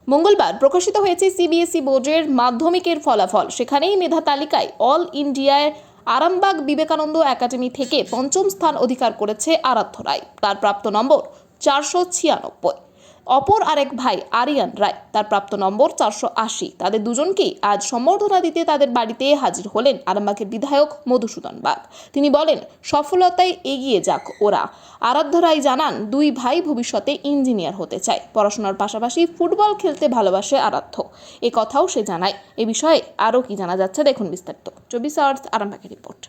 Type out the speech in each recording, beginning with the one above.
মঙ্গলবার প্রকাশিত হয়েছে সিবিএসই বোর্ডের মাধ্যমিকের ফলাফল। সেখানেই মেধা তালিকায় অল ইন্ডিয়ায় আরামবাগ বিবেকানন্দ একাডেমি থেকে পঞ্চম স্থান অধিকার করেছে আরাধ্য রায়। তার প্রাপ্ত নম্বর 496। অপর আরেক ভাই আরিয়ান রায়, তার প্রাপ্ত নম্বর 480। তাদের দুজনকেই আজ সম্বর্ধনা দিতে তাদের বাড়িতে হাজির হলেন আরামবাগের বিধায়ক মধুসূদন বাগ। তিনি বলেন, সফলতায় এগিয়ে যাক ওরা। আরাধ্য রায় জানান, দুই ভাই ভবিষ্যতে ইঞ্জিনিয়ার হতে চায়। পড়াশোনার পাশাপাশি ফুটবল খেলতে ভালোবাসে আরাধ্য, এ কথাও সে জানায়। এ বিষয়ে আরও কি জানা যাচ্ছে দেখুন বিস্তারিত। 24 আওয়ার্স আরামবাগের রিপোর্ট।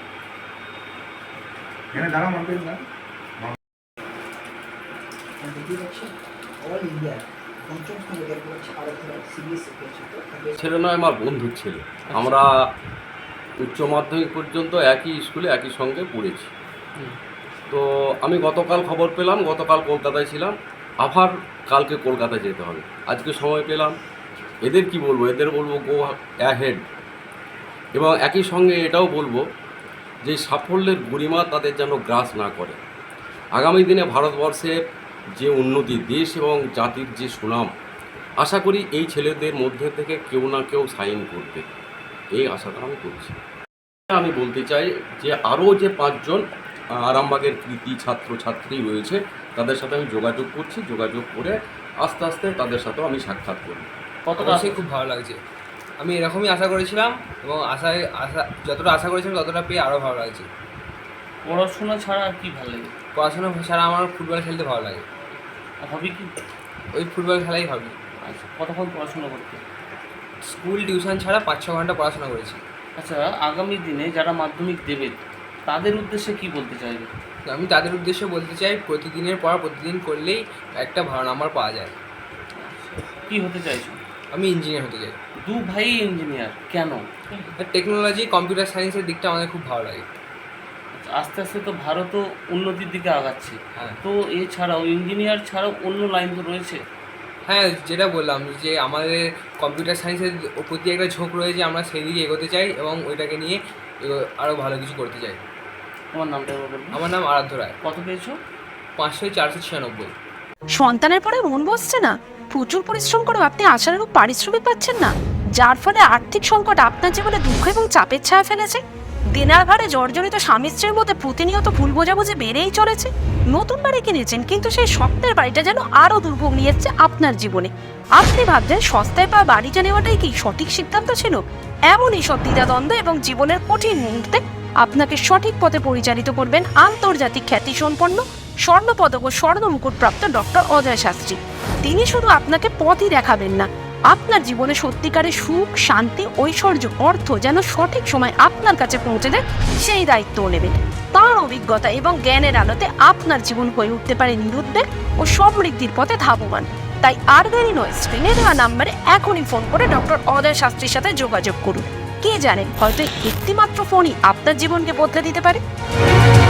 ছেলে নয়, আমার বন্ধুর ছেলে। আমরা উচ্চ মাধ্যমিক পর্যন্ত একই স্কুলে একই সঙ্গে পড়েছি। তো আমি গতকাল খবর পেলাম, গতকাল কলকাতায় ছিলাম, আবার কালকে কলকাতায় যেতে হবে। আজকে সময় পেলাম। এদের কি বলবো, এদের বলবো গো অ্যাহেড। এবং একই সঙ্গে এটাও বলবো যে সাফল্যের গরিমা তাদের যেন গ্রাস না করে। আগামী দিনে ভারতবর্ষের যে উন্নতি, দেশ এবং জাতির যে সুনাম, আশা করি এই ছেলেদের মধ্যে থেকে কেউ না কেউ সাইন করবে, এই আশাটা আমি করছি। আমি বলতে চাই যে আরও যে 5 জন আরামবাগের কৃতি ছাত্রছাত্রী রয়েছে, তাদের সাথে আমি যোগাযোগ করছি। যোগাযোগ করে আস্তে আস্তে তাদের সাথেও আমি সাক্ষাৎ করি। অবশ্যই খুব ভালো লাগছে। আমি এরকমই আশা করেছিলাম এবং যতটা আশা করেছিলাম ততটা পেয়ে আরও ভালো লাগছে। পড়াশোনা ছাড়া আর কি ভালো লাগে? পড়াশোনা ছাড়া আমার ফুটবল খেলতে ভালো লাগে। হবি কি? ওই ফুটবল খেলাই হবি। আচ্ছা, কতক্ষণ পড়াশোনা করতে? স্কুল টিউশন ছাড়া 5-6 ঘন্টা পড়াশোনা করেছি। আচ্ছা, আগামী দিনে যারা মাধ্যমিক দেবে তাদের উদ্দেশ্যে কি বলতে চাইবে? আমি তাদের উদ্দেশ্যে বলতে চাই, প্রতিদিনের পড়া প্রতিদিন করলেই একটা ভালো নাম্বার পাওয়া যায়। কি হতে চাইছো? আমি ইঞ্জিনিয়ার হতে চাই। দু ভাই ইঞ্জিনিয়ার কেন? টেকনোলজি, কম্পিউটার সায়েন্সের দিকটা আমাদের খুব ভালো লাগে। আস্তে আস্তে তো ভারতও উন্নতির দিকে আগাচ্ছে। হ্যাঁ। তো এছাড়াও ইঞ্জিনিয়ার ছাড়াও অন্য লাইন তো রয়েছে। হ্যাঁ, যেটা বললাম যে আমাদের কম্পিউটার সায়েন্সের প্রতি একটা ঝোঁক রয়েছে, আমরা সেই দিকে এগোতে চাই এবং ওইটাকে নিয়ে আরও ভালো কিছু করতে চাই। তোমার নামটা বলুন। আমার নাম আরাধ্য রায়। কত পেয়েছো? 500-496। সন্তানের পরে মন বসছে না, প্রচুর পরিশ্রম করেও আপনি আশানুরূপ পারিশ্রমিক পাচ্ছেন না, যার ফলে আর্থিক সংকট আপনার জীবনে দুঃখ এবং চাপের ছায়া ফেলেছে। দিনার ভারে জর্জরিত স্বামী স্ত্রীর মধ্যে প্রতিনিয়ত ভুল বোঝাবুঝি বেড়েই চলেছে। নতুন বাড়ি কিনেছেন, কিন্তু সেই স্বপ্নের বাড়িটা যেন আরও দুর্ভোগ নিয়ে এসছে আপনার জীবনে। আপনি ভাবছেন সস্তায় পাওয়া বাড়িটা নেওয়াটাই কি সঠিক সিদ্ধান্ত ছিল? এমনই সব দ্বিধাদ্বন্দ্ব এবং জীবনের কঠিন মুহূর্তে আপনাকে সঠিক পথে পরিচালিত করবেন আন্তর্জাতিক খ্যাতিসম্পন্ন স্বর্ণপদক ও স্বর্ণ মুকুটপ্রাপ্ত ডক্টর অজয় শাস্ত্রী। তিনি শুধু আপনাকে পথই দেখাবেন না, আপনার জীবনে সত্যিকারের সুখ, শান্তি, ঐশ্বর্য, অর্থ যেন সঠিক সময় আপনার কাছে পৌঁছে দেয়, সেই দায়িত্বও নেবেন। তাঁর অভিজ্ঞতা এবং জ্ঞানের আলোতে আপনার জীবন হয়ে উঠতে পারে নিরুদ্বেগ ও সমৃদ্ধির পথে ধাবমান। তাই আর দেরি নয়, স্ক্রিনে দেওয়া নাম্বারে এখনই ফোন করে ডক্টর অজয় শাস্ত্রীর সাথে যোগাযোগ করুন। কে জানেন, হয়তো একটিমাত্র ফোনই আপনার জীবনকে বদলে দিতে পারে।